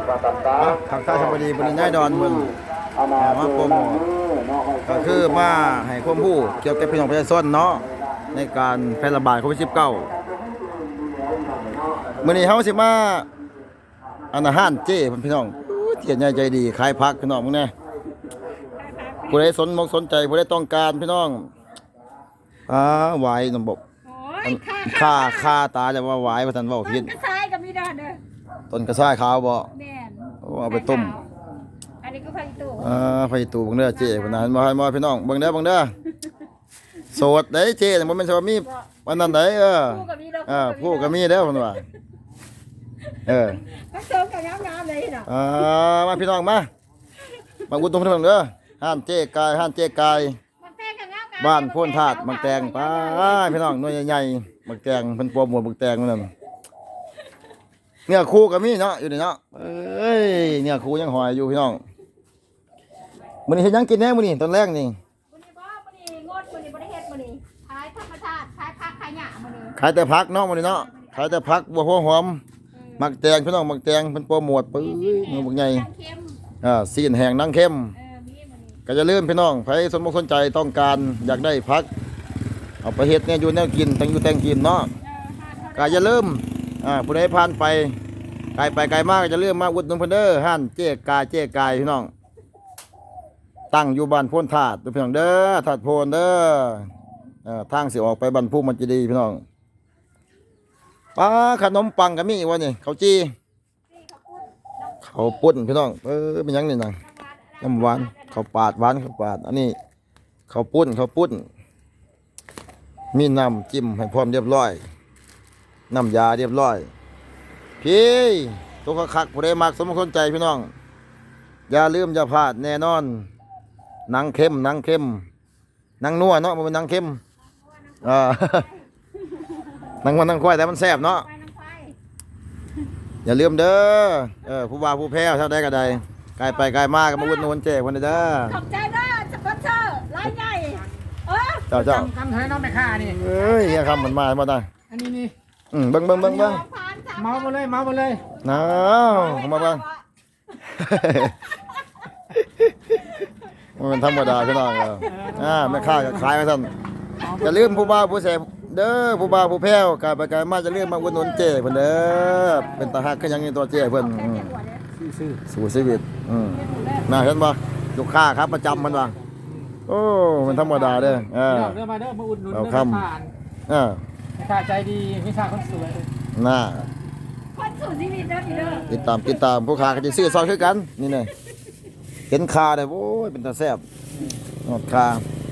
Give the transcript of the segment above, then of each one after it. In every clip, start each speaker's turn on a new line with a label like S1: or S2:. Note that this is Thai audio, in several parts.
S1: ทางท่าชลบุรีบริณายดอนเมืองมาโปรโมทก็คือมาให้ความรู้เกี่ยวกับพี่น้องประชาชนเนาะในการแพร่ระบาดโควิด -19 มื้อนี้เฮาสิมาอาหารเจ้พี่น้องเถียนใหญ่ใจดีขายผักพี่น้องมึงแน่ผู้ใดสนใจผู้ใดต้องการพี่น้องหวายน้ำบกค่าตาจะว่าหวายว่าท่านเว้าผิด
S2: กระชายกับมีดอนเด้อ
S1: ต้นกระชายขาวบ่
S2: แม่น
S1: เอาไปต้ม
S2: อันนี้ก็ไฟตู้
S1: ไฟตู่เบิ่งเด้อเจ้พุ่นน่ะบ่พี่น้องเบิ่งเด้อโสดได้เจ้บ่แม่นสิว่ามีวันนั้นได้
S2: ผู้กับมีดอก
S1: ผู้ก็มีเด้อเพิ่นว่า
S2: ก็เสริมกับงามๆเลยเนาะ
S1: มาพี่น้องมาอุดหนุนเพิ่นเด้อห้านเจ๊กาย
S2: มันแพงกับงามๆ
S1: บ้านโพนธาตุมังแตงไปพี่น้องหน่วยใหญ่ๆมังแตงเพิ่นโปรโมทมังแตงนั่นเนี่ยครูก็มีเนาะอยู่นี่เนาะเนี่ยครูยังหอยอยู่พี่น้องมื้อนี้เฮ็ดหยังกินแน่มื้อนี้ตอนแรกนี่
S2: มื้อนี้งดมื้อนี้บ่ได้เฮ็ดมื้อนี้ขายธรรมชาติขายผักขายหญ้ามื้อนี้
S1: ขายแต่ผักเนาะมื้อนี้เนาะขายแต่ผักบัวหัวหอมมักแตงพี่น้องมักแตงเพิ่นโปรโมทปื้อมือบักใหญ่ซีนแห้งนางเข้มก็จะลืมพี่น้องใครสนใจต้องการอยากได้ผักเอาไปเฮ็ดเนี่ยอยู่แนวกินแต่งอยู่แต่งกินเนาะก็อย่าลืมผู้ใดผ่านไปไกลมากก็จะลืมมาอุดหนุนเพิ่นเด้อห้านเจ๊กายพี่น้องตั้งอยู่บ้านโพนธาตุพี่น้องเด้อธาตุโพนเด้อทางสิออกไปบ้านภูมิมันจะดีพี่น้องขนมปังก็มีวะนี่ข้าวจีข้าวปุ้นพี่น้องเป็นยังนี่นะน้ำหวานข้าวปาดหวานข้าวปาดอันนี้ข้าวปุ้นมีน้ำจิ้มให้พร้อมเรียบร้อยน้ำยาเรียบร้อยพี่ตัวคักผู้ใดมักสมคนใจพี่น้องอย่าลืมอย่าพลาดแน่นอนหนังเข้มหนังนัวเนาะมันเป็นหนังเข้มหนังมันหนังควายแต่มันแซ่บเนาะอย่าลืมเด้อผู้บ่าวผู้แพ้วเท่าใดก็ได้ไกลมากก็มาอุดหนุนเจ๊คนนี้เด้อ
S2: ขอบใจเด้อสปอนเซอร์รายใหญ่
S1: เจ้า
S3: คำให้น้องแม่ค้านี่
S1: เฮียคำเหมือนมาได้
S3: อันนี้นี่
S1: เบิ่ง
S3: เมาไปเลยน้าว
S1: มาเบิ่งมันธรรมดาพี่น้องแม่ค้าก็ขายมาซั่นอย่าลืมผู้บ่าวผู้แซ่บเด้อผู้บ่าวผู้แพ้วไกลมาจะลืมมาอุดหนุนเจ๊เพิ่นเด้อเป็นตาฮักคือหยังนี่ตัวเจ๊เพิ่นสู่ชีวิตน่าเห็นบ่ลูกค้าครับประจำมันว่าโอ้มันธรรมดาเด้อ
S3: เด้อมาอุดหนุน
S1: เด้อ
S3: ผ่านแม่ค้าใจดีแม่ค้าคนสวย
S2: คนสู่ชีวิตเด้อพี่เด้อ
S1: ติดตามผู้ค้าก็สิซื้อซอยคือกันนี่แน่เห็นค่าได้โอ้ยเป็นตาแซ่บหอดค่า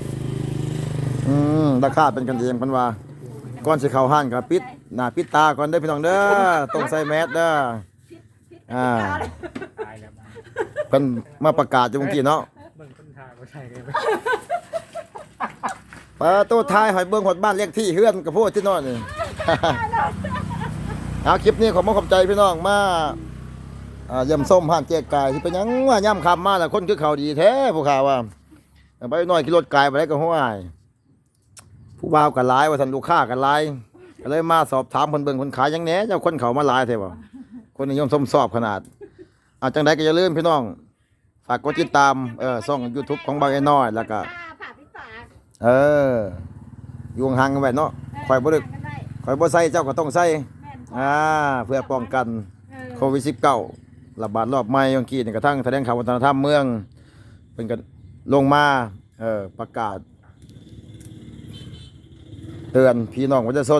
S1: ราคาเป็นกันเองเพิ่นว่าก่อนสิเข้าห้างก็ปิดหน้าปิดตาก่อนเด้อพี่น้องเด้อต้องใส่แมสเด้อเพิ่นมาประกาศอยู่เมื่อกี้เนาะ
S3: เบิ่งคนถ่ายบ่ใช่เลย
S1: ตู้ท้ายหอยเบิ่งหดบ้านเลขที่เฮือนกับพวกที่นอนนี่คลิปนี้ขอบใจพี่น้องมาเยี่ยมส้มห้านเจ๊กายที่เป็นยังว่าย่ำคำมาแต่คนคือเขาดีแท้ผู้ข่าวว่าไปหน่อยขี่รถกายไปได้ก็ห้วยผู้บ่าวกันหลายว่าท่านลูกค้ากันหลายก็เลยมาสอบถามคนเบิ่งคนขายยังแหน่เจ้าคนเขามาหลายแท้บ่คนนิยมสอบขนาดจังใดก็อย่าลืมพี่น้องฝากกดติดตามช่อง YouTube ของบางไอ้น้อยแล้วก็อยู่ห่างกันไว้เนาะคอยบ่ใส่เจ้าก็ต้องใส่เพื่อป้องกันโควิด -19 ระบาดรอบใหม่เมื่อกี้นี่กระทั่งแสดงข่าววัฒนธรรมเมืองเป็นกันลงมาประกาศเตือนพี่น้องประชาชน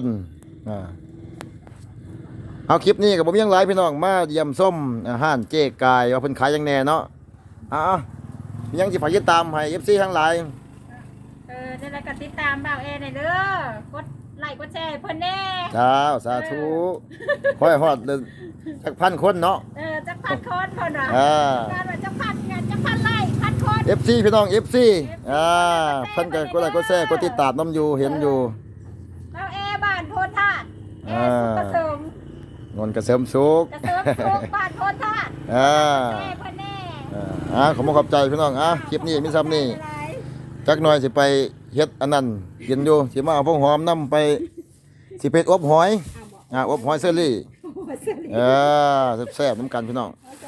S1: เอาคลิปนี้กับผมยังไลฟ์พี่น้องมาเยี่ยมส้มอาหารเจ๊กายว่าเพิ่นขายยังแน่เนาะยังสิฝากติดตามให้ FC ทั้งหลาย
S2: ได้แล้วก็ติดตามบ่าวเอหน่อยเด้อกดไลค์กดแชร์เพิ่นแน่
S1: สาธุค่อยฮอดจักพันคนเนาะ
S2: จักพันคนเพิ่นว่าการว่าจักพันไลค์พันคน
S1: FC พี่น้อง FC เพิ่นก็กดไลค์กดแชร์กดติดตามนำอยู่เห็นอยู่
S2: บ่าวเอบ้านโพนธาตุสุขเกษม
S1: นนกระเสริมสุข
S2: บ้านโพนธาตุเพิ่นแน่
S1: ขอบใจพี่น้องคลิปนี้มีซ้ำนี่จักหน่อยสิไปเฮ็ดอันนั้นกินอยู่สิมาเอาพวกหอมนำไปสิไปอบหอยอบหอยเซอรี่แซ่บๆน้ำกันพี่น้อง